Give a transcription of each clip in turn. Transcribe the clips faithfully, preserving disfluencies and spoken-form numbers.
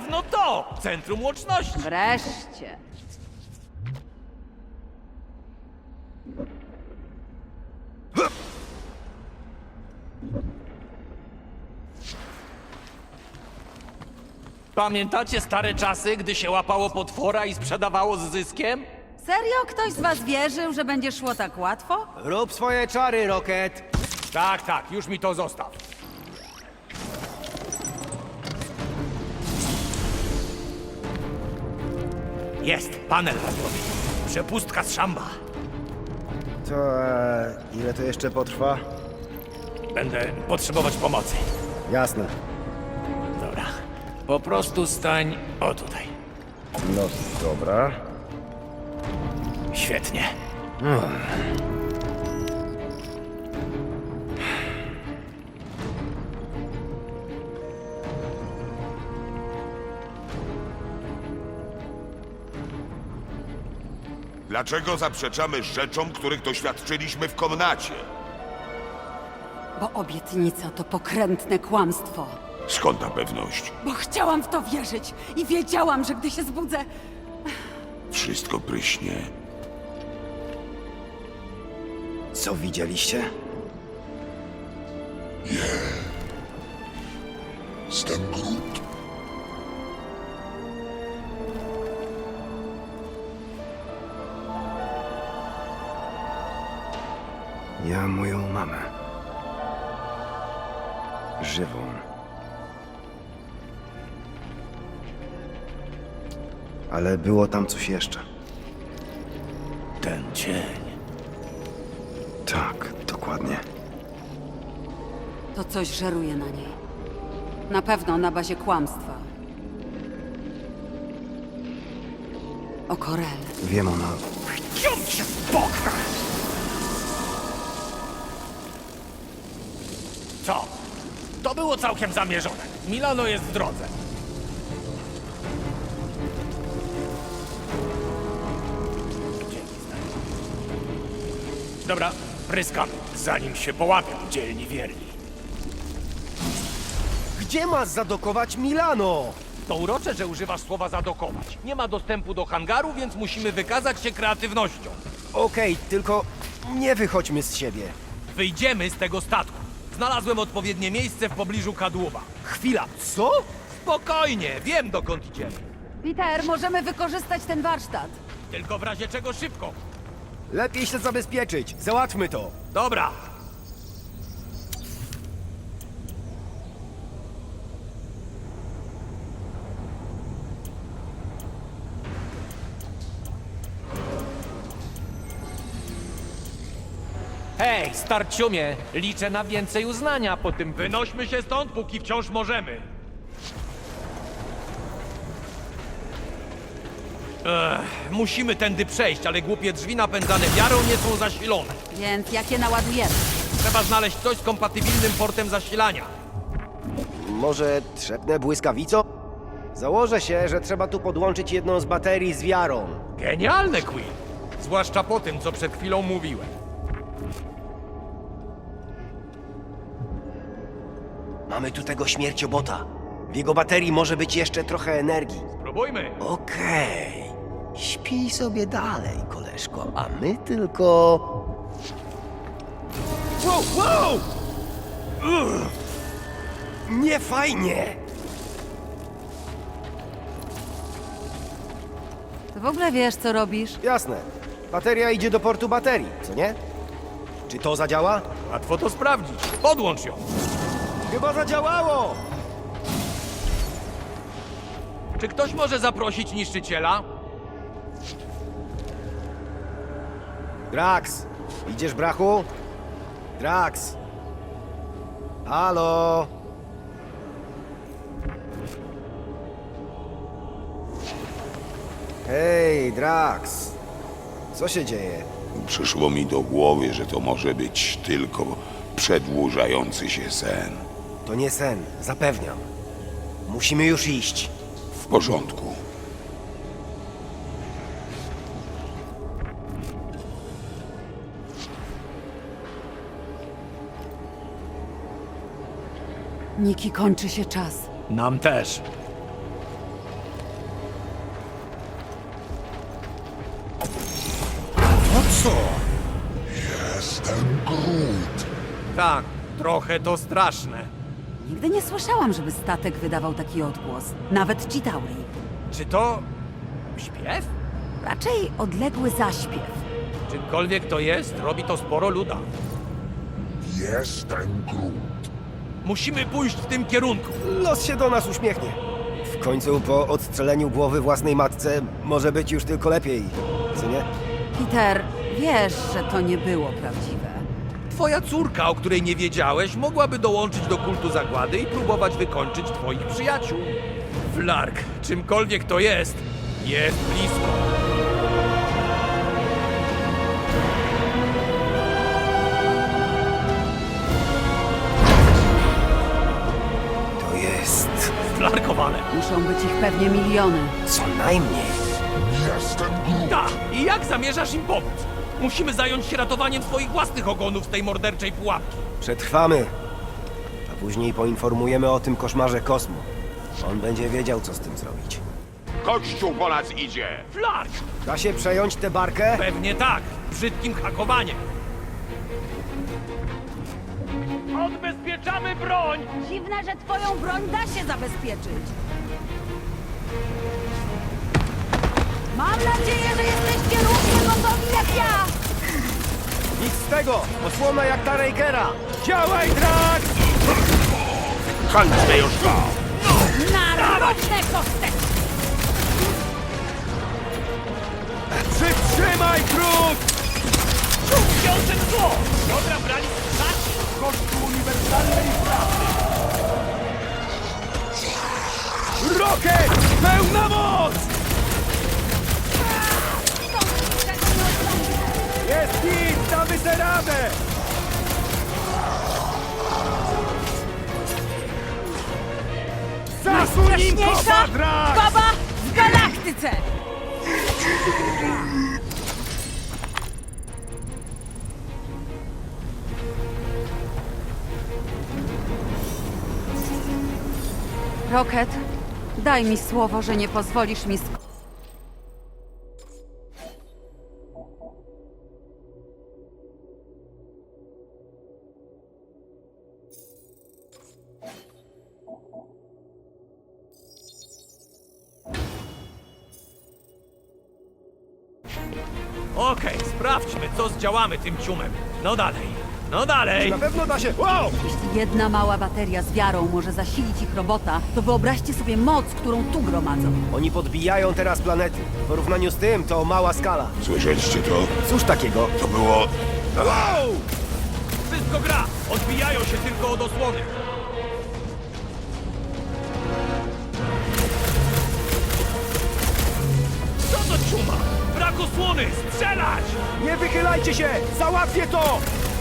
pewno to! Centrum łączności! Wreszcie. Pamiętacie stare czasy, gdy się łapało potwora i sprzedawało z zyskiem? Serio? Ktoś z was wierzył, że będzie szło tak łatwo? Rób swoje czary, Rocket. Tak, tak, już mi to zostaw. Jest, panel radiowy. Przepustka z szamba. To e, ile to jeszcze potrwa? Będę potrzebować pomocy. Jasne. Dobra. Po prostu stań o tutaj. No dobra. Świetnie. Dlaczego zaprzeczamy rzeczom, których doświadczyliśmy w komnacie? Bo obietnica to pokrętne kłamstwo. Skąd ta pewność? Bo chciałam w to wierzyć i wiedziałam, że gdy się zbudzę... Wszystko pryśnie. Co widzieliście? Jestem Groot. Ja moją mamę. Żywą. Ale było tam coś jeszcze. Ten cień. Tak, dokładnie. To coś żeruje na niej. Na pewno na bazie kłamstwa. O Korel. Wiem, ona... Ciąg się w bok! Co? To było całkiem zamierzone. Milano jest w drodze. Dzięki, stary. Dobra, pryskam, zanim się połapią dzielni wierni. Gdzie ma zadokować Milano? To urocze, że używasz słowa zadokować. Nie ma dostępu do hangaru, więc musimy wykazać się kreatywnością. Okej, tylko nie wychodźmy z siebie. Wyjdziemy z tego statku. Znalazłem odpowiednie miejsce w pobliżu kadłuba. Chwila, co? Spokojnie, wiem dokąd idziemy. Peter, możemy wykorzystać ten warsztat. Tylko w razie czego szybko. Lepiej się zabezpieczyć. Załatwmy to. Dobra. Hej, starciumie, liczę na więcej uznania po tym. Wynośmy się stąd, póki wciąż możemy. Ech, musimy tędy przejść, ale głupie drzwi napędzane wiarą nie są zasilone. Więc jak je naładujemy? Trzeba znaleźć coś z kompatybilnym portem zasilania. Może trzepnę błyskawicą? Założę się, że trzeba tu podłączyć jedną z baterii z wiarą. Genialne, Quill! Zwłaszcza po tym, co przed chwilą mówiłem. Mamy tu tego śmierciobota. W jego baterii może być jeszcze trochę energii. Spróbujmy. Okej. Śpij sobie dalej, koleżko, a my tylko... Wow, wow! Ugh. Nie fajnie! Ty w ogóle wiesz, co robisz? Jasne. Bateria idzie do portu baterii, co nie? Czy to zadziała? Łatwo to sprawdzić. Podłącz ją. Chyba zadziałało! Czy ktoś może zaprosić niszczyciela? Drax! Idziesz, brachu? Drax! Halo? Hej, Drax! Co się dzieje? Przyszło mi do głowy, że to może być tylko przedłużający się sen. To nie sen, zapewniam. Musimy już iść. W porządku. Niki, kończy się czas. Nam też. Jestem Groot. Tak, trochę to straszne. Nigdy nie słyszałam, żeby statek wydawał taki odgłos. Nawet Chitauri. Czy to... śpiew? Raczej odległy zaśpiew. Czymkolwiek to jest, robi to sporo luda. Jestem Groot. Musimy pójść w tym kierunku. Los się do nas uśmiechnie. W końcu po odstrzeleniu głowy własnej matce może być już tylko lepiej, co nie? Peter, wiesz, że to nie było prawdziwe. Twoja córka, o której nie wiedziałeś, mogłaby dołączyć do kultu zagłady i próbować wykończyć twoich przyjaciół. Flark, czymkolwiek to jest, jest blisko. To jest... Flarkowane. Muszą być ich pewnie miliony. co najmniej. Jestem Groot. Ta, i jak zamierzasz im pomóc? Musimy zająć się ratowaniem swoich własnych ogonów z tej morderczej pułapki. Przetrwamy. A później poinformujemy o tym koszmarze Kosmo. On będzie wiedział, co z tym zrobić. Kościół po nas idzie! Flark! Da się przejąć tę barkę? Pewnie tak, brzydkim hakowaniem. Odbezpieczamy broń! Dziwne, że twoją broń da się zabezpieczyć. Mam nadzieję, że jesteście równie gotowi jak ja! Nic z tego! Osłona jak ta Rakera! Działaj, Drax! Kończmy już to! Na roczne kosteczki! Przytrzymaj, Groot! Wiążę zło! Dobra brali strzaci! Kościół uniwersalnej prawdy! Rocket! Pełna moc! Jest hit! Damy se radę! Zasuń im kopa, Drax! baba w galaktyce! Rocket, daj mi słowo, że nie pozwolisz mi sk... Okej, sprawdźmy, co zdziałamy tym ciumem. No dalej, no dalej! Na pewno da się... Wow! Jeśli jedna mała bateria z wiarą może zasilić ich robota, to wyobraźcie sobie moc, którą tu gromadzą. Oni podbijają teraz planety. W porównaniu z tym to mała skala. Słyszeliście to? Cóż takiego? To było... Wow! Wszystko gra! Odbijają się tylko od osłony. Co to ciuma? Brak osłony! Strzelać! Nie wychylajcie się! Załatwię to!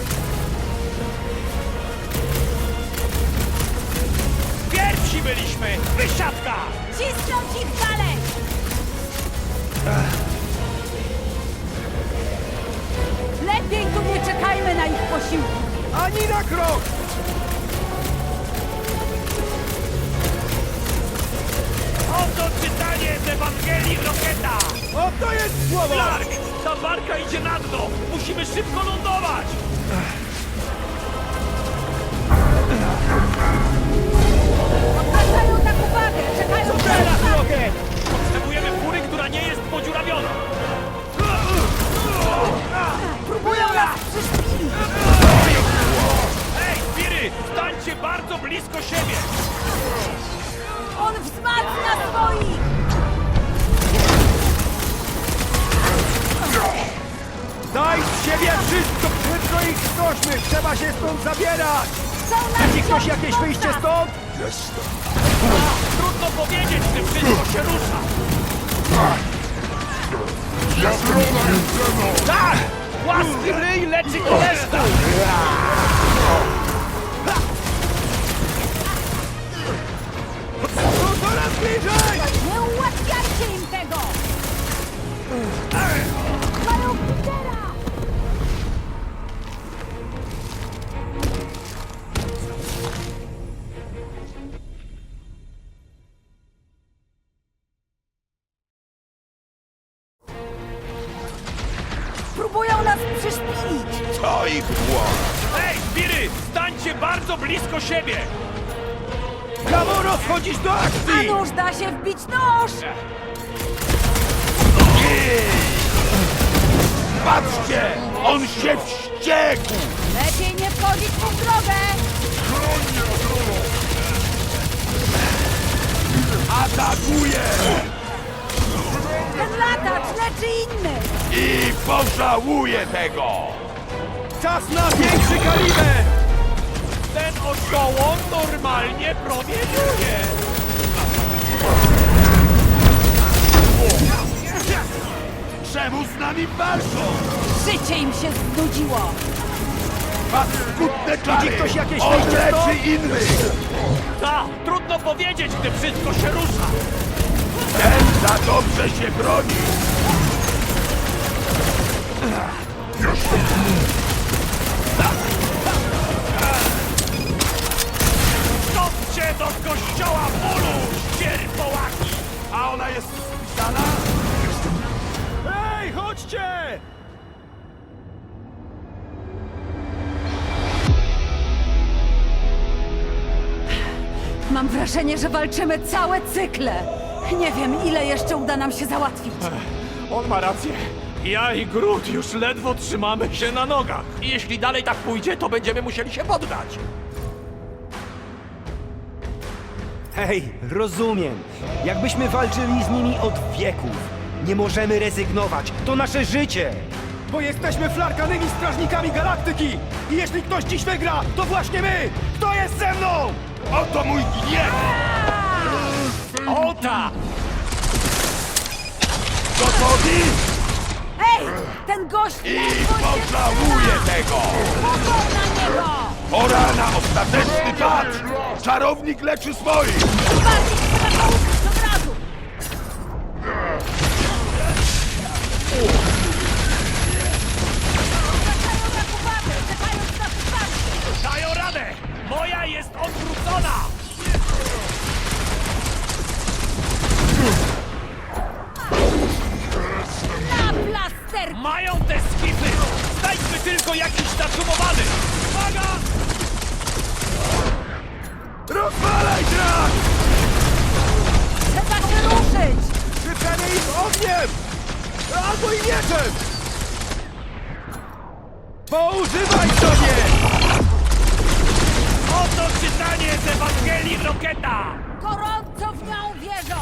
Pierwsi byliśmy! Wysiadka! Cisnąć ich dalej! Lepiej tu nie czekajmy na ich posiłki. Ani na krok! Oto czytanie z Ewangelii Roketa! Oto jest słowo! Clark! Ta barka idzie na dno! Musimy szybko lądować! Odwracają tak uwagę! Czekają Co teraz, Rocket? Potrzebujemy fury, która nie jest podziurawiona! Próbują nas przyszpilić! Hej, Spiry! Stańcie bardzo blisko siebie! On wzmacnia swoich! Daj z siebie wszystko! Szybko ich skośmy! Trzeba się stąd zabierać! Są nas Widzi ktoś ciągnąć jakieś wyjście nas. stąd? Jestem. Trudno powiedzieć, czy wszystko się rusza! Jastrona Jedzeno! Tak! Łaski ryj leczy koleżka! No coraz bliżej! Nie ułatwiajcie im tego! Mają Petera! Próbują nas To ich błąd. Ej, Spiry! Stańcie bardzo blisko siebie! Gamoro, wchodzisz do A akcji! nóż da się wbić nóż! Patrzcie! On się wściekł! Lepiej nie wchodzić mu w drogę! Atakuje! Ten latacz leczy innych! I pożałuje tego! Czas na większy kaliber! Ten oszołom normalnie promieniuje! Czemu z nami walczą? Życie im się znudziło! Paskudne czary! Widzi ktoś jakieś On wyjście stąd? leczy innych! Ta! Trudno powiedzieć, gdy wszystko się rusza! Ten za dobrze się broni! Stopcie do kościoła bólu, ścierpołaki! A ona jest spisana? Ej, chodźcie! Mam wrażenie, że walczymy całe cykle! Nie wiem, ile jeszcze uda nam się załatwić. On ma rację. Ja i Groot już ledwo trzymamy się na nogach. I jeśli dalej tak pójdzie, to będziemy musieli się poddać. Hej, rozumiem. Jakbyśmy walczyli z nimi od wieków. Nie możemy rezygnować. To nasze życie. Bo jesteśmy flarkanymi strażnikami galaktyki. I jeśli ktoś dziś wygra, to właśnie my. Kto jest ze mną? Oto mój gniew! Ota! Gotowi? Ej! Ten gość I ledwo się pożałuje tego! Pogod na niego! Pora na ostateczny patrz! Czarownik leczy swoich! Bardziej trzeba go użyć od razu! Zwracają na uwagę, czekając na wsparcie! Dają radę! Moja jest odwrócona! Na plasterki! Mają te skipy! Znajdźmy tylko jakiś zatrzymowany! Uwaga! Rozwalaj trak! Trzeba się ruszyć! Krzyczemy ich ogniem! Albo i mieczem! Poużywaj sobie! Oto czytanie z Ewangelii Roketa! Gorąco w nią wierzą!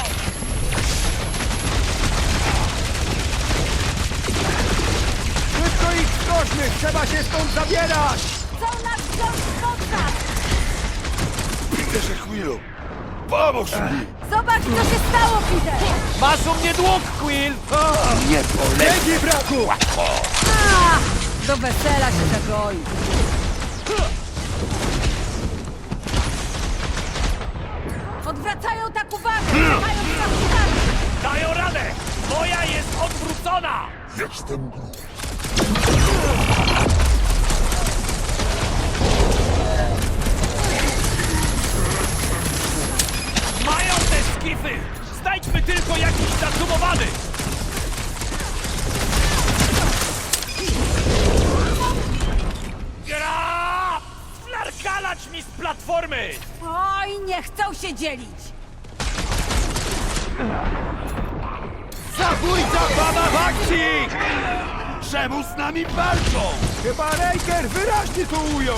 Szybko ich skośmy! Trzeba się stąd zabierać! Chcą nas wziąć w kontakt! Peterze Quillu, pomóż mi! Zobacz, co się stało, Peter! Masz u mnie dług, Quill! Nie polecę! Legi, braku! A, do wesela się zagoi. Odwracają tak uwagę, czekając na wsparcie! Dają radę! Moja jest odwrócona! Jestem Groot. Mają te skify! Znajdźmy tylko jakiś zatrzymowany! Gra! Flarkalacz mi z platformy! Oj, nie chcą się dzielić! Zabójca baba w akcji! Czemu z nami walczą? Chyba Raker wyraźnie to ujął!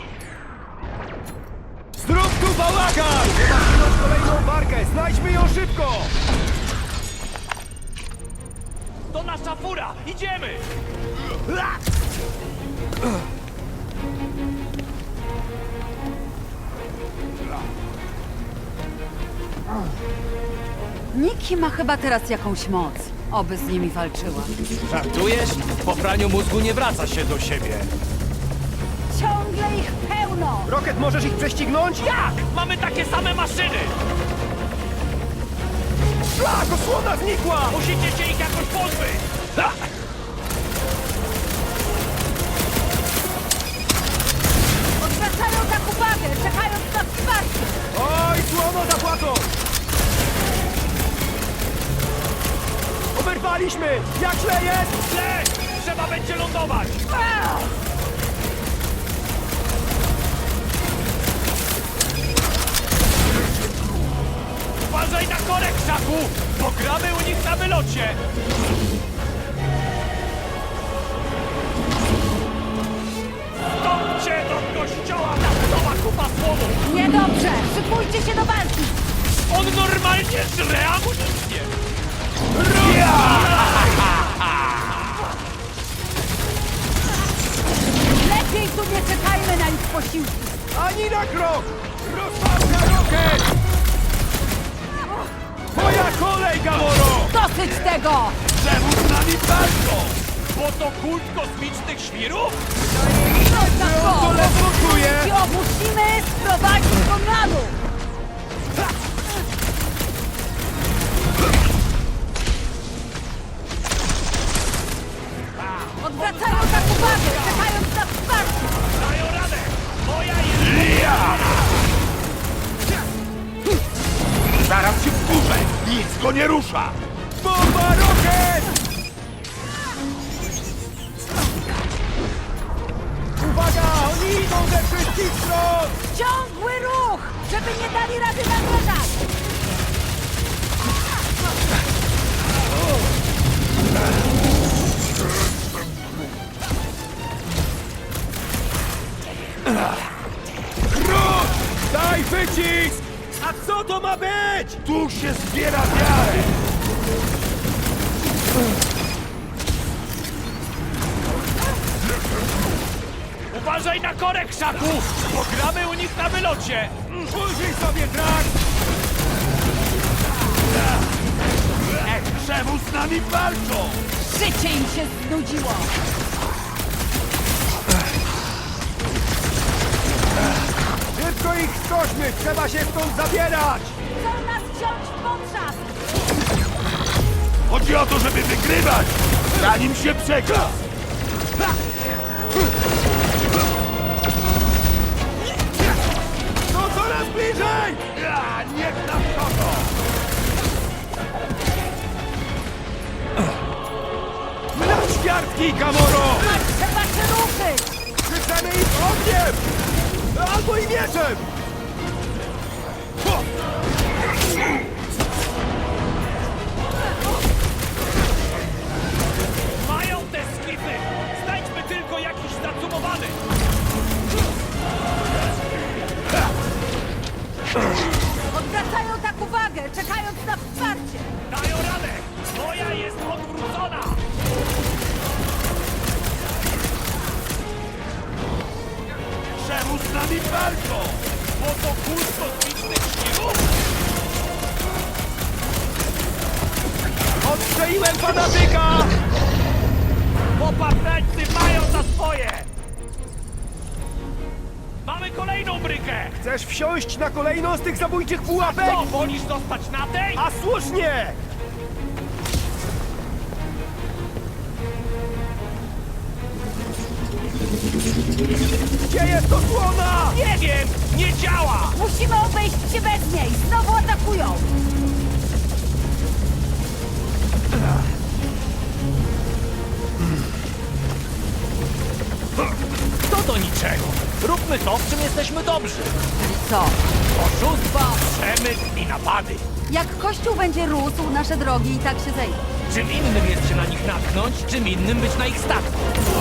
Zrób tu bałagan! Trzeba wziąć kolejną barkę! Znajdźmy ją szybko! To nasza fura! Idziemy! Niki ma chyba teraz jakąś moc. Oby z nimi walczyła. Żartujesz? Po praniu mózgu nie wraca się do siebie. Ciągle ich pełno! Rocket, możesz ich prześcignąć? Jak? Mamy takie same maszyny! Szlak, osłona znikła! Musicie się ich jakoś pozbyć! Ha! Odwracają tak uwagę, czekając na wsparcie! Oj, słono zapłacą! Oberwaliśmy! Jak źle jest? Źle! Trzeba będzie lądować! A! Uważaj na korek, Szaku! Pogramy u nich na wylocie! Stąpcie do kościoła na nowa kupa słomu! Niedobrze! Szykujcie się do walki! On normalnie żre amunicję! Lepiej tu nie czekajmy na ich posiłki! Ani na krok! Rozpałka rokiet! Twoja kolej, Gamoro! Dosyć tego! Czemu z nami walczą? Bo to kult kosmicznych świrów? Na on to ledwo czuje! I musimy sprowadzić go na dół! Odwracają tak uwagę, czekając na wsparcie! Dają radę! Moja jest... Zaraz się wkurzę! Nic go nie rusza! Bomba rokiet! Uwaga! Oni idą ze wszystkich stron! Ciągły ruch, żeby nie dali rady namierzać! Krut! Daj wycisk! A co to ma być? Tu się zbiera wiarę! Uważaj na korek, Szaku! Pogramy u nich na wylocie! Użyj sobie trak! Czemu z nami walczą? Życie im się znudziło! Szybko ich skośmy! Trzeba się stąd zabierać! Chcą nas wziąć w potrzask! Chodzi o to, żeby wygrywać! Zanim się przegra! No coraz bliżej! Ja, niech nam kogo! Na ćwiartki, Gamoro! Trzeba się ruszyć! Krzyczemy ich ogniem! Albo i mieczem! Ho! Mają te skipy! Znajdźmy tylko jakiś zacumowany! Odwracają tak uwagę, czekając na wsparcie! Dają radę! Moja jest odwrócona! Czemu z nami walczą? Bo to kult kosmicznych świrów? Odstrzeliłem fanatyka! Popaprańcy mają za swoje! Mamy kolejną brykę! Chcesz wsiąść na kolejną z tych zabójczych pułapek? Co, wolisz zostać na tej? A słusznie! Gdzie jest osłona? Nie wiem! Nie działa! Musimy obejść się bez niej! Znowu atakują! To do niczego! Róbmy to, w czym jesteśmy dobrzy! Czyli co? Oszustwa, przemyt i napady! Jak Kościół będzie rósł, nasze drogi i tak się zejdą. Czym innym jest się na nich natknąć, czym innym być na ich statku.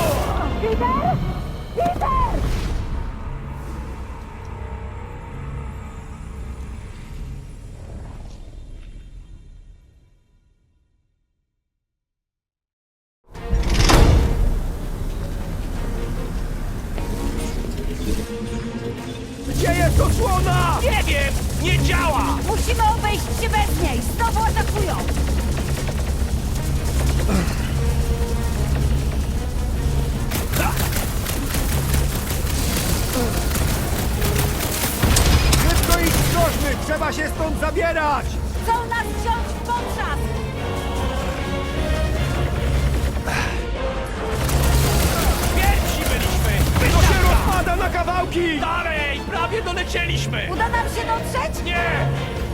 Gdzie jest osłona? Nie wiem! Nie działa! Musimy obejść się bez niej! Znowu atakują! Szybko ich skośmy! Trzeba się stąd zabierać! Chcą nas wziąć w potrzask! Pierwsi byliśmy! To się rozpada na kawałki! Dalej! Prawie dolecieliśmy! Uda nam się dotrzeć? Nie!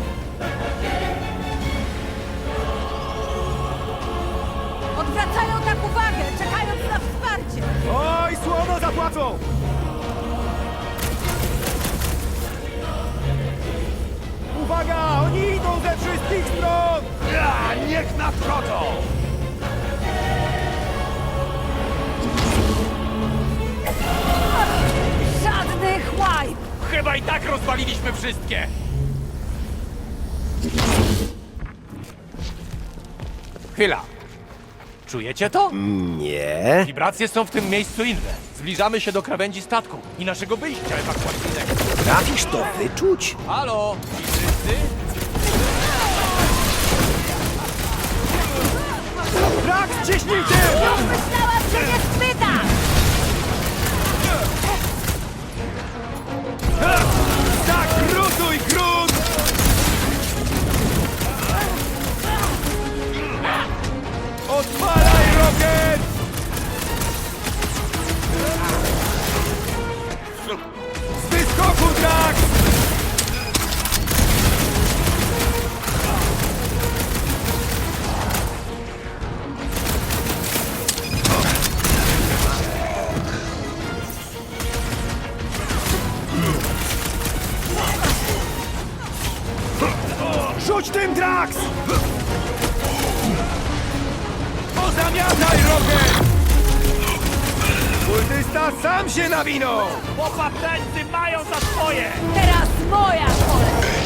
Odwracają tak uwagę, czekając na wsparcie! Oj, słono zapłacą! Uwaga! Oni idą ze ze wszystkich stron! Ja, niech nadchodzą! Żadnych łajb! Chyba i tak rozwaliliśmy wszystkie! Chwila. Czujecie to? Nie. Wibracje są w tym miejscu inne. Zbliżamy się do krawędzi statku i naszego wyjścia ewakuacyjnego. Trafisz to wyczuć? Halo? Ci wszyscy? Drax, ciśnij tył! Myślałam, że nie spytasz! Zakrutuj grunt! Odpalaj rokiet! Z wyskoku, Drax! Rzuć tym, Drax! Pozamiataj rokiet! Kultysta sam się nawinął! Popaptańcy mają za swoje! Teraz moja kolej!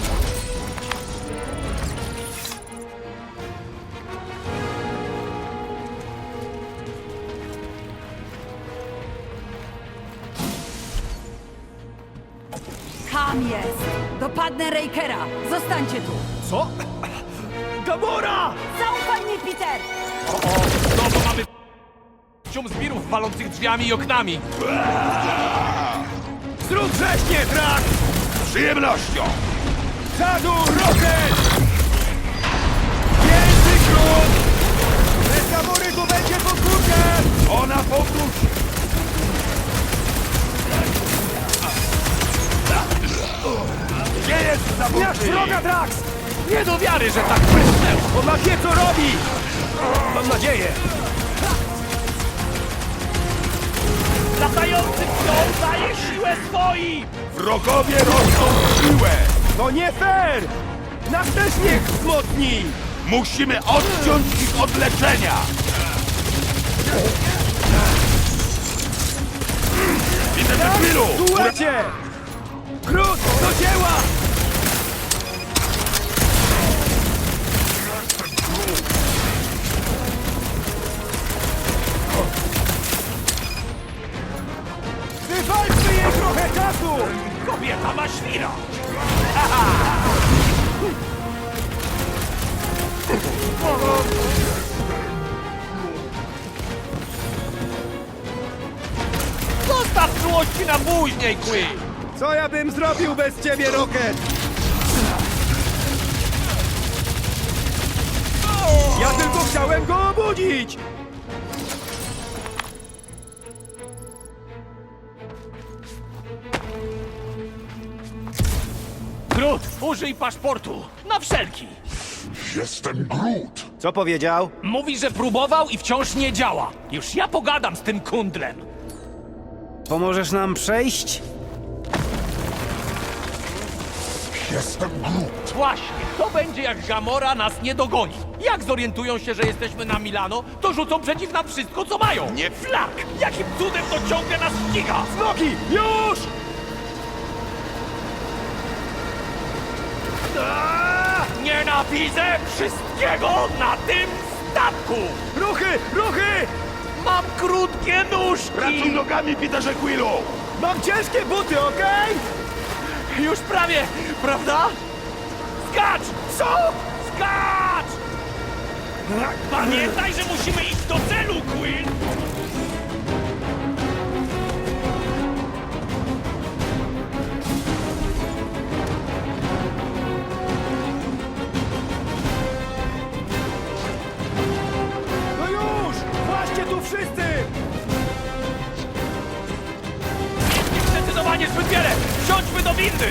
Tam jest! Dopadnę Rakera! Zostańcie tu! Co? Gamora! Zaufaj mi, Peter! O, o, znowu mamy cium zbirów walących drzwiami i oknami. Zrób wrześnie, Drax! Z przyjemnością! Czadu, rokiet! Więcej grunt! Bez Gamory tu będzie podwórkę! Ona powróci! Gdzie jest Znasz zabójcy? wroga, Drax! Nie do wiary, że tak prysnęło. On ma wie, co robi! Mam nadzieję! Latający wciąż daje siłę swoim! Wrogowie rosną w siłę! To nie fair! Nas też niech wzmocni! Musimy odciąć ich od leczenia! Widzę te chwilu! Duecie! Grud, do dzieła! Wywalczmy jej trochę czasu! Kobieta ma świra! Zostaw czułości na później, Quill! Co ja bym zrobił bez ciebie, Rocket? Ja tylko chciałem go obudzić! Groot, użyj paszportu! Na wszelki! Jestem Groot. Co powiedział? Mówi, że próbował i wciąż nie działa. Już ja pogadam z tym kundlem. Pomożesz nam przejść? Jestem Groot. Właśnie, to będzie jak Gamora nas nie dogoni. Jak zorientują się, że jesteśmy na Milano, to rzucą przeciw nam wszystko, co mają. Nie- Flak! Jakim cudem to ciągle nas ściga? Nogi! Już! Nienawidzę wszystkiego na tym statku! Ruchy! Ruchy! Mam krótkie nóżki! Pracuj nogami, Peterze Quillu! Mam ciężkie buty, okej? Już prawie, prawda? Skacz! Co? Skacz! Pamiętaj, że musimy iść do celu, Quill! No już! Właśnie tu wszyscy! Jest ich zdecydowanie zbyt wiele! Wsiądźmy do windy!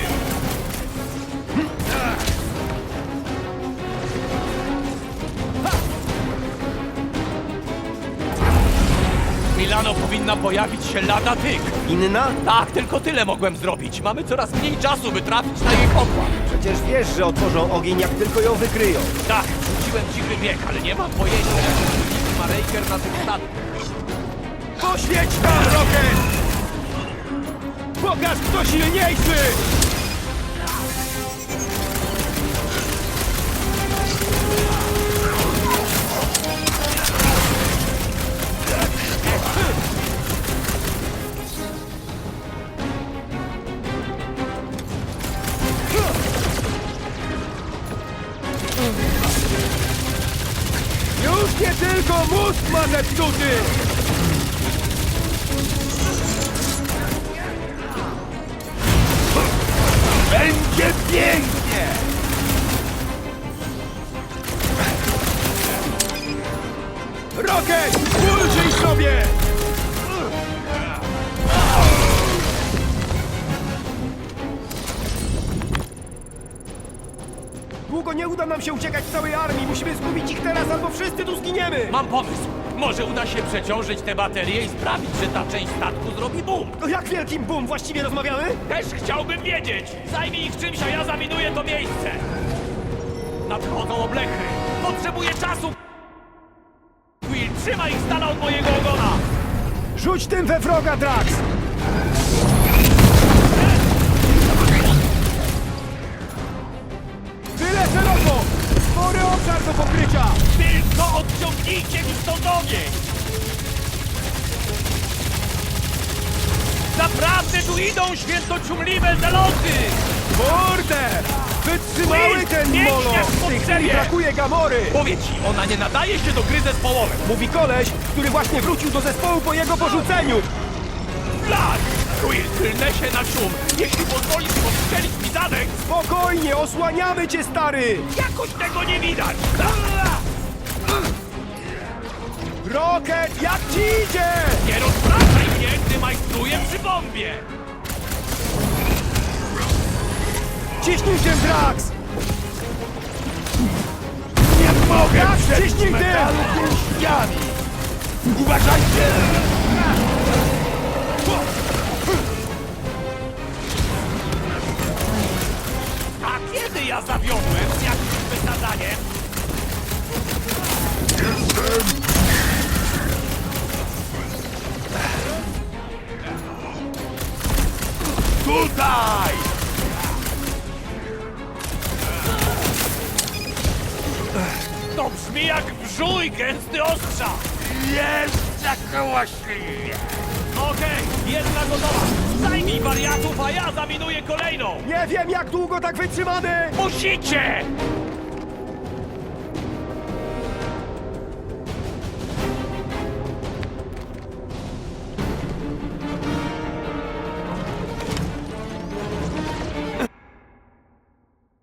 Milano powinna pojawić się lada tyk. Inna? Tak, tylko tyle mogłem zrobić. Mamy coraz mniej czasu, by trafić na jej pokład. Przecież wiesz, że otworzą ogień, jak tylko ją wykryją. Tak, rzuciłem cichy bieg, ale nie mam pojęcia, jak ma Raker na tym statku. Poświeć tam, Rocket! Pokaż, kto silniejszy! Już nie tylko mózg ma zepsuty! Będzie pięknie! Rocket! Ulżyj sobie! Długo nie uda nam się uciekać z całej armii. Musimy zgubić ich teraz, albo wszyscy tu zginiemy! Mam pomysł. Może uda się przeciążyć te baterie i sprawić, że ta część statku zrobi boom. To jak wielkim boom właściwie rozmawiamy? Też chciałbym wiedzieć. Zajmij ich czymś, a ja zaminuję to miejsce. Nadchodzą oblechy. Potrzebuję czasu. Will, trzymaj ich z dala od mojego ogona. Rzuć tym we wroga, Drax! Tyle szeroko! Spory obszar do pokrycia! Tylko odciągnijcie mi stąd ogień. Naprawdę tu idą świętociumliwe zaloty. Kurde! Wytrzymały Will, ten biegniesz molo! po W tej drzewie! chwili brakuje Gamory! Powiedz ci, ona nie nadaje się do gry zespołowej. Mówi koleś, który właśnie wrócił do zespołu po jego porzuceniu! Flag! Will, tylnę się na cium. Jeśli pozwolisz postrzelić mi zadek, Spokojnie, osłaniamy cię, stary! jakoś tego nie widać. Rocket, jak ci idzie? Nie rozpraszaj mnie, gdy majstruję przy bombie. Ciśnij tym, Drax! Nie mogę Tak, ciśnij tym! pięściami. Uważajcie! A kiedy ja zawiodłem z jakimś wysadaniem? Tutaj! To brzmi jak brzuj gęsty ostrza! Jest zakołaśliwie! Okej, jedna gotowa! Zajmij wariatów, a ja zaminuję kolejną! Nie wiem, jak długo tak wytrzymamy! Musicie!